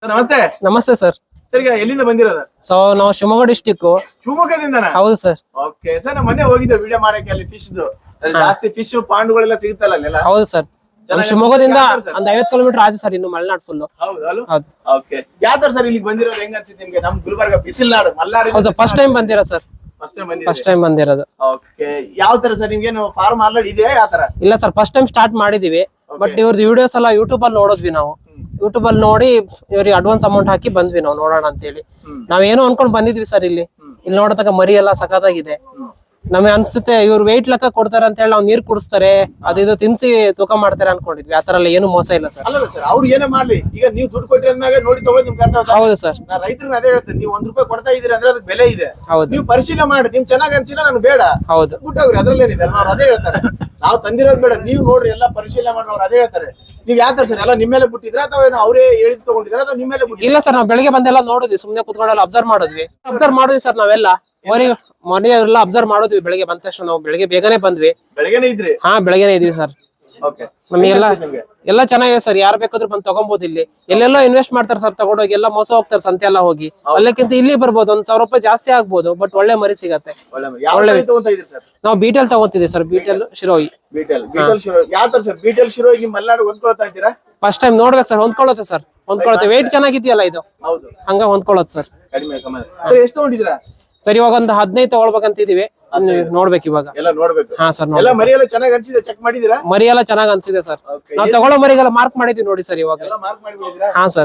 ನಮಸ್ತೆ. ನಮಸ್ತೆ sir. Sir ಈಗ ಎಲ್ಲಿಂದ ಬಂದಿರೋದು? ಸೊ ನಾವು ಶಿವಮೊಗ್ಗ ಡಿಸ್ಟಿಕ್. ಶಿವಮೊಗ್ಗದಿಂದನಾ? ಹೌದು ಸರ್. ಓಕೆ ಸರ್, ನಾವು ಮೊನ್ನೆ ಹೋಗಿದ್ದೆ ವಿಡಿಯೋ ಮಾಡಕ್ಕೆ. ಅಲ್ಲಿ ಫಿಶ್ ಜಾಸ್ತಿ ಫಿಶ್ ಪಾಂಡುಗಳೆಲ್ಲ ಸಿಗುತ್ತಲ್ಲ ಅಲ್ಲೆಲ್ಲ? ಹೌದು ಸರ್. ಶಿವಮೊಗ್ಗದಿಂದ ಒಂದ್ 50 ಕಿಲೋಮೀಟರ್ ಆಚೆ ಸರ್, ಇನ್ನು ಮಲೆನಾಡು ಫುಲ್. ಹೌದು. ಓಕೆ, ಯಾವ ತರ ಸರ್ ಇಲ್ಲಿಗೆ ಬಂದಿರೋದು? ಹೆಂಗ ಅನ್ಸುತ್ತೆ ನಿಮ್ಗೆ? ನಮ್ ಗುಲ್ಬರ್ಗ ಬಿಸಿಲ್ನಾಡು ಮಲ್ನಾಡು. ಹೌದು, ಫಸ್ಟ್ ಟೈಮ್ ಬಂದಿರೋ ಸರ್. ಫಸ್ಟ್ ಟೈಮ್ ಬಂದಿರೋದು. ಓಕೆ, ಯಾವ ತರ ಸರ್ ನಿಮ್ಗೆ ಫಾರ್ಮ್ ಆಲ್ರೆಡಿ ಇದೆಯಾ? ಯಾವ ತರ? ಇಲ್ಲ ಸರ್, ಫಸ್ಟ್ ಟೈಮ್ ಸ್ಟಾರ್ಟ್ ಮಾಡಿದೀವಿ. ಬಟ್ ಇವ್ರದ್ದು ವಿಡಿಯೋಸ್ ಎಲ್ಲ ಯೂಟ್ಯೂಬ್ ಅಲ್ಲಿ ನೋಡಿದ್ವಿ ನಾವು. ಯೂಟ್ಯೂಬ್ ಅಲ್ಲಿ ನೋಡಿ ಇವ್ರಿಗೆ ಅಡ್ವಾನ್ಸ್ ಅಮೌಂಟ್ ಹಾಕಿ ಬಂದ್ವಿ ನಾವು ನೋಡೋಣ ಅಂತ ಹೇಳಿ. ನಾವೇನೋ ಅನ್ಕೊಂಡ್ ಬಂದಿದ್ವಿ ಸರ್. ಇಲ್ಲಿ ನೋಡತಕ್ಕ ಮರಿ ಎಲ್ಲ ಸಖತ್ತಾಗಿದೆ. ನಮಗೆ ಅನ್ಸುತ್ತೆ ಇವ್ರು ವೆಯ್ಟ್ ಲೆಕ್ಕ ಕೊಡ್ತಾರೆ ಅಂತ ಹೇಳಿ ನಾವು ನೀರ್ ಕುಡಿಸ್ತಾರೆ, ಇದು ತಿನ್ಸಿ ತೂಕ ಮಾಡ್ತಾರೆ ಅನ್ಕೊಂಡಿದ್ವಿ. ಆತರ ಎಲ್ಲ ಏನು ಮೋಸ ಇಲ್ಲ ಸರ್. ಅಲ್ಲ ಸರ್, ಅವ್ರು ಏನೇ ಮಾಡ್ಲಿ, ಈಗ ನೀವು ದುಡ್ಡು ಕೊಟ್ಟಿ ಅಂದಾಗ ನೋಡಿ ತಗೊಳ್ಳಿ, ನಿಮ್ ಕರ್ತವ್ಯ. ಹೌದು ಸರ್. ನಾ ರೈತರಿಗೆ ಅದೇ ಹೇಳ್ತೇನೆ, ನೀವು ₹1 ಕೊಡ್ತಾ ಇದೀರಿ ಅಂದ್ರೆ ಅದಕ್ಕೆ ಬೆಲೆ ಇದೆ. ಹೌದು, ನೀವು ಪರಿಶೀಲನೆ ಮಾಡಿ. ನಿಮ್ ಚೆನ್ನಾಗ್ ಅನ್ಸಿಲ್ಲ ನನ್ಗೆ ಬೇಡ, ಹೌದು ಬಿಟ್ಟೋಗ್ರಿ. ಅದ್ರಲ್ಲೇನಿದೆ, ಅವ್ರು ಅದೇ ಹೇಳ್ತಾರೆ. ನಾವು ತಂದಿರೋದು ಬೇಡ, ನೀವು ನೋಡ್ರಿ ಎಲ್ಲ ಪರಿಶೀಲನೆ ಮಾಡಿ. ಅವ್ರು ಅದೇ ಹೇಳ್ತಾರೆ. ನೀವ್ ಯಾವ ತರ ಸರ್, ಎಲ್ಲ ನಿಮ್ಮೇಲೆ ಬಿಟ್ಟಿದ್ರ ಅಥವಾ ಅವರೇ ಹೇಳಿದ್ ತಗೊಂಡಿದ್ರ ಅಥವಾ ನಿಮ್ಮೇಲೆ ಬಿಟ್ಟಿದ್ರ? ಇಲ್ಲ ಸರ್, ನಾವು ಬೆಳಿಗ್ಗೆ ಬಂದೆಲ್ಲ ನೋಡಿದ್ವಿ, ಸುಮ್ನೆ ಕುತ್ಕೊಂಡೆಲ್ಲ ಅಬ್ಸರ್ವ್ ಮಾಡಿದ್ವಿ ಸರ್. ನಾವೆಲ್ಲ ಮನೆ ಎಲ್ಲ ಅಬ್ಸರ್ವ್ ಮಾಡಿದ್ವಿ. ಬೆಳಿಗ್ಗೆ ಬಂದ ತಕ್ಷಣ ನಾವು ಬೆಳಿಗ್ಗೆ ಬೇಗನೆ ಬಂದ್ವಿ. ಬೆಳಗ್ಗೆನೇ ಇದ್ರಿ? ಹಾ, ಬೆಳಗ್ಗೆನೆ ಇದೀವಿ ಸರ್. ನಮಗೆಲ್ಲ ಎಲ್ಲ ಚೆನ್ನಾಗಿದೆ ಸರ್. ಯಾರು ಬೇಕಾದ್ರೂ ಬಂದು ತಗೊಬಹುದು. ಇಲ್ಲಿ ಎಲ್ಲೆಲ್ಲೋ ಇನ್ವೆಸ್ಟ್ ಮಾಡ್ತಾರೆ ಸರ್, ತಗೊಂಡೋಗಿ ಎಲ್ಲ ಮೋಸ ಹೋಗ್ತಾರೆ ಸಂತೆ ಎಲ್ಲ ಹೋಗಿ. ಅಲ್ಲಕ್ಕಿಂತ ಇಲ್ಲಿ ಬರ್ಬೋದು, ₹1,000 ಜಾಸ್ತಿ ಆಗ್ಬೋದು. ಬಟ್ ಒಳ್ಳೆ ಮರಿ ಸಿಗತ್ತೆ. ನಾವು ಬಿಟೆಲ್ ತಗೊಂತಿದ್ದೀವಿ ಸರ್. ಬಿಟೆಲ್ ಶಿರೋಯಿ. ಯಾವ ತರ ಸರ್ ಬಿಟೆಲ್ ಶಿರೋಯಿ ನಿಮ್ ಮಲ್ನಾಡು ಹೊಂದ್ಕೊಳ್ತಾ ಇದ್ದೀರಾ? ಫಸ್ಟ್ ಟೈಮ್ ನೋಡ್ಬೇಕು ಸರ್. ಹೊಂದ್ಕೊಳತ್ತೆ. ವೆಯ್ಟ್ ಚೆನ್ನಾಗಿದೆಯಲ್ಲ ಇದು, ಹಂಗ ಹೊಂದ್ಕೊಳತ್ ಸರ್. ಎಷ್ಟು ತಗೊಂಡಿದ್ದೀರಾ ಸರ್? ಇವಾಗ ಒಂದು 15 ತಗೊಳ್ಬೇಕಂತಿದೀವಿ. ನೋಡ್ಬೇಕು ಇವಾಗ. ಹಾ ಸರ್, ಮರಿ ಎಲ್ಲ ಚೆನ್ನಾಗಿ ಅನ್ಸಿದೆ? ಚೆಕ್ ಮಾಡಿದೀರಾ? ಮರಿ ಎಲ್ಲ ಚೆನ್ನಾಗಿ ಅನ್ಸಿದೆ ಸರ್. ನಾವು ತಗೊಳ್ಳೋ ಮರಿಗೆಲ್ಲ ಮಾರ್ಕ್ ಮಾಡಿದೀವಿ ನೋಡಿ ಸರ್ ಇವಾಗ. ಹಾ ಸರ್.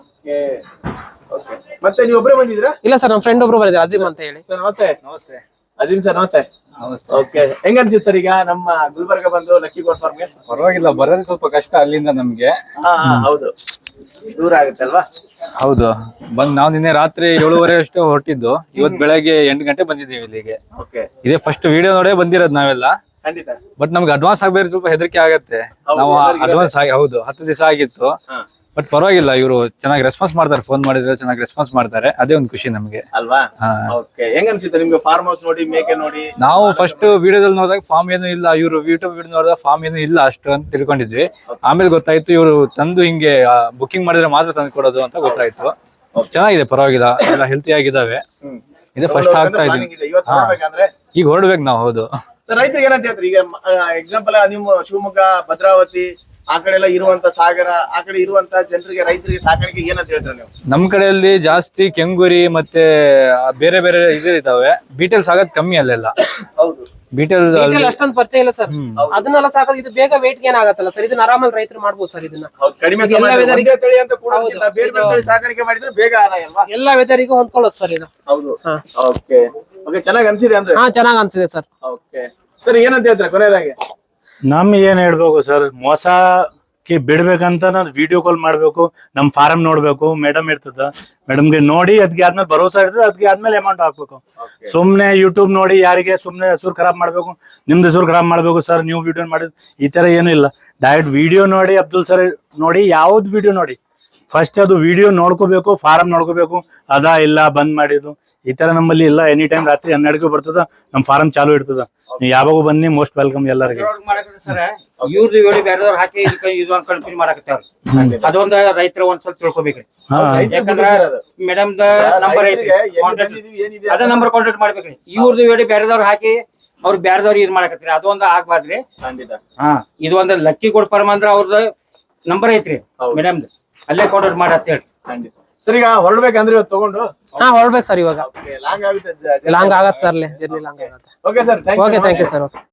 ಮತ್ತೆ ನೀವು ಒಬ್ಬರೇ ಬಂದಿದ್ದೀರಾ? ಇಲ್ಲ ಸರ್, ನಮ್ಮ ಫ್ರೆಂಡ್ ಒಬ್ರು ಬಂದಿದ್ದಾರೆ, ಅಜೀಮ್ ಅಂತ ಹೇಳಿ. ಸರ್ ನಮಸ್ತೆ. ಅಜೀಮ್ ಸರ್ ನಮಸ್ತೆ. ಓಕೆ, ಹೆಂಗ ಅನ್ಸಿತ್ತು ಸರ್ ಈಗ ನಮ್ಮ ಗುಲ್ಬರ್ಗ ಬಂದು ಲಕ್ಕಿ ಗೋಟ್ ಫಾರ್ಮ್ಗೆ? ಪರವಾಗಿಲ್ಲ, ಬರೋದು ಸ್ವಲ್ಪ ಕಷ್ಟ ಅಲ್ಲಿಂದ ನಮ್ಗೆ. ಹೌದು, ದೂರ ಆಗುತ್ತೆ ಅಲ್ವಾ? ಹೌದು. ನಾವು ನಿನ್ನೆ ರಾತ್ರಿ 7:30 ಅಷ್ಟು ಹೊರಟಿದ್ದು. ಇವತ್ತು ಬೆಳಗ್ಗೆ 8 ಗಂಟೆ ಬಂದಿದ್ದೀವಿ ಇಲ್ಲಿಗೆ. ಇದೇ ಫಸ್ಟ್ ವಿಡಿಯೋ ನೋಡೇ ಬಂದಿರೋದು ನಾವೆಲ್ಲ. ಬಟ್ ನಮ್ಗೆ ಅಡ್ವಾನ್ಸ್ ಆಗ್ಬೇಕು, ಸ್ವಲ್ಪ ಹೆದರಿಕೆ ಆಗತ್ತೆ. ನಾವು ಅಡ್ವಾನ್ಸ್ ಹೌದು 10 ದಿವಸ ಆಗಿತ್ತು. ಬಟ್ ಪರವಾಗಿಲ್ಲ, ಇವರು ಚೆನ್ನಾಗಿ ರೆಸ್ಪಾನ್ಸ್ ಮಾಡ್ತಾರೆ. ಫೋನ್ ಮಾಡಿದ್ರೆ ಚೆನ್ನಾಗಿ ರೆಸ್ಪಾನ್ಸ್ ಮಾಡ್ತಾರೆ. ಅದೇ ಒಂದು ಖುಷಿ ನಮ್ಗೆ ಅಲ್ವಾ? ಹೆಂಗ ಅನ್ಸುತ್ತೆ ನಿಮ್ಗೆ ಫಾರ್ಮ್ ಹೌಸ್ ನೋಡಿ, ಮೇಕೆ ನೋಡಿ? ನಾವು ಫಸ್ಟ್ ವಿಡಿಯೋದಲ್ಲಿ ನೋಡಿದಾಗ ಫಾರ್ಮ್ ಏನು ಇಲ್ಲ, ಇವರು ಯೂಟ್ಯೂಬ್ ವಿಡಿಯೋ ನೋಡಿದಾಗ ಫಾರ್ಮ್ ಏನು ಇಲ್ಲ ಅಷ್ಟು ಅಂತ ತಿಳ್ಕೊಂಡಿದ್ವಿ. ಆಮೇಲೆ ಗೊತ್ತಾಯ್ತು ಇವರು ತಂದು ಹಿಂಗೆ ಬುಕಿಂಗ್ ಮಾಡಿದ್ರೆ ಮಾತ್ರ ತಂದು ಕೊಡೋದು ಅಂತ ಗೊತ್ತಾಯ್ತು. ಚೆನ್ನಾಗಿದೆ, ಪರವಾಗಿಲ್ಲ, ಎಲ್ಲ ಹೆಲ್ತಿ ಆಗಿದಾವೆ. ಇದೇ ಫಸ್ಟ್ ಆಗ್ತಾ ಇದೀವಿ. ಈಗ ಹೊರಡ್ಬೇಕು ನಾವು. ಹೌದು ಸರ್, ರೈತರಿಗೆ ಏನಂತ ಹೇಳ್ತೀರಿ? ಈಗ ಎಕ್ಸಾಂಪಲ್ ನಿಮ್ಮ ಶಿವಮೊಗ್ಗ, ಭದ್ರಾವತಿ ಆ ಕಡೆ ಎಲ್ಲ ಇರುವಂತ ಸಾಗರ, ಆ ಕಡೆ ಇರುವಂತ ಜನರಿಗೆ, ರೈತರಿಗೆ ಸಾಕಾಣಿಕೆ ಏನಂತ ಹೇಳ್ತಾರೆ ನೀವು? ನಮ್ ಕಡೆಯಲ್ಲಿ ಜಾಸ್ತಿ ಕೆಂಗುರಿ ಮತ್ತೆ ಬೇರೆ ಬೇರೆ ಇದಾವೆ. ಬೀಟೆಲ್ಸ್ ಆಗೋದ್ ಕಮ್ಮಿ ಅಲ್ಲೆಲ್ಲ. ಹೌದು, ಬೀಟೆಲ್ ಅಷ್ಟೊಂದು ಪರಿಚಯ ಇಲ್ಲ ಸರ್. ಅದನ್ನೆಲ್ಲ ಸಾಕೋದು. ಇದು ಬೇಗ ವೇಟ್ ಗೇನ್ ಆಗತ್ತಲ್ಲ ಸರ್. ಇದನ್ನ ಆರಾಮಲ್ಲಿ ರೈತರು ಮಾಡ್ಬೋದು ಸರ್. ಇದನ್ನ ಕಡಿಮೆ ತಳಿ ಅಂತ ಕೂಡ ಬೇರೆ ಬೇರೆ ತಳಿ ಸಾಕಾಣಿಕೆ ಮಾಡಿದ್ರೆ ಬೇಗ ಆದಾಯ ಅಲ್ವಾ? ಎಲ್ಲ ವೆದರಿಗೂ ಹೊಂದ್ಕೊಳ್ಳೋದು ಸರ್ ಇದು. ಹೌದು. ಓಕೆ, ಚೆನ್ನಾಗಿ ಅನ್ಸಿದೆ ಅಂದ್ರೆ? ಹಾ, ಚೆನ್ನಾಗಿ ಅನ್ಸಿದೆ ಸರ್. ಓಕೆ ಸರ್, ಏನಂತ ಹೇಳ್ತಾರೆ ಕೊನೆಯದಾಗಿ? ನಮ್ಗೆ ಏನ್ ಹೇಳ್ಬೇಕು ಸರ್, ಮೋಸಕ್ಕೆ ಬಿಡ್ಬೇಕಂತ ನಾವು ವಿಡಿಯೋ ಕಾಲ್ ಮಾಡ್ಬೇಕು, ನಮ್ ಫಾರಂ ನೋಡ್ಬೇಕು, ಮೇಡಮ್ ಇರ್ತದ, ಮೇಡಮ್ಗೆ ನೋಡಿ ಅದಕ್ಕೆ ಆದ್ಮೇಲೆ ಭರೋಸಾ ಇರ್ತದೆ, ಅದಕ್ಕೆ ಆದ್ಮೇಲೆ ಅಮೌಂಟ್ ಹಾಕ್ಬೇಕು. ಸುಮ್ನೆ ಯೂಟ್ಯೂಬ್ ನೋಡಿ ಯಾರಿಗೆ ಸುಮ್ನೆ ಹೆಸರು ಖರಾಬ್ ಮಾಡ್ಬೇಕು, ನಿಮ್ದು ಹೆಸರು ಖರಾಬ್ ಮಾಡ್ಬೇಕು ಸರ್ ನೀವು ವಿಡಿಯೋ ಮಾಡಿದ್, ಈ ತರ ಏನು ಇಲ್ಲ. ಡೈರೆಕ್ಟ್ ವಿಡಿಯೋ ನೋಡಿ, ಅಬ್ದುಲ್ ಸರ್ ನೋಡಿ, ಯಾವ್ದು ವಿಡಿಯೋ ನೋಡಿ, ಫಸ್ಟ್ ಅದು ವಿಡಿಯೋ ನೋಡ್ಕೋಬೇಕು, ಫಾರಂ ನೋಡ್ಕೋಬೇಕು. ಅದಾ ಇಲ್ಲ ಬಂದ್ ಮಾಡಿದ್ದು ಈ ತರ ನಮ್ಮಲ್ಲಿ ಇಲ್ಲ. ಎನಿ ಟೈಮ್ ರಾತ್ರಿ 12ಕ್ಕೆ ಬರ್ತದ, ನಮ್ ಫಾರಂ ಚಾಲು ಇರ್ತದ. ನೀವು ಯಾವಾಗೂ ಬನ್ನಿ, ಮೋಸ್ಟ್ ವೆಲ್ಕಮ್ ಎಲ್ಲರಿಗೆ. ಇವ್ರದ್ದು ಹೇಳಿ ಬೇರೆದವ್ರು ಹಾಕಿ ಇದು ಒಂದ್ ಕನ್ಫ್ಯೂಸ್ ಮಾಡಕತ್ತಾರ. ಅದೊಂದು ರೈತರ ಒಂದ್ ಸ್ವಲ್ಪ ತಿಳ್ಕೊಬೇಕ್ರಿ. ಯಾಕಂದ್ರ ಮೇಡಮ್ ನಂಬರ್ ಐತಿ, ಅದ ನಂಬರ್ ಕಾಂಟ್ಯಾಕ್ಟ್ ಮಾಡ್ಬೇಕ್ರಿ. ಇವ್ರದ್ದು ಹೇಳಿ ಬೇರೆದವ್ರು ಹಾಕಿ ಅವ್ರು ಬೇರೆದವ್ರು ಇದ್ ಮಾಡಕತ್ರಿ, ಅದೊಂದು ಆಗ್ಬಾರ್ದ್ರಿ. ಹಾ, ಇದು ಒಂದು ಲಕ್ಕಿ ಗೋಟ್ ಫಾರ್ಮ್ ಅಂದ್ರ ಅವ್ರದ್ದು ನಂಬರ್ ಐತ್ರಿ ಮೇಡಮ್, ಅಲ್ಲೇ ಕಾಂಟ್ಯಾಕ್ಟ್ ಮಾಡತ್ ಹೇಳಿ. ಸರ್, ಈಗ ಹೊರಡ್ಬೇಕಂದ್ರೆ ಇವತ್ತು ತಗೊಂಡು? ಹಾ, ಹೊರಡ್ಬೇಕು ಸರ್. ಇವಾಗ ಲಾಂಗ್ ಆಗುತ್ತೆ, ಲಾಂಗ್ ಆಗತ್ತೆ ಸರ್. ಜರ್ನಿ ಲಾಂಗ್ ಆಗುತ್ತೆ. Okay sir, okay, thank you sir.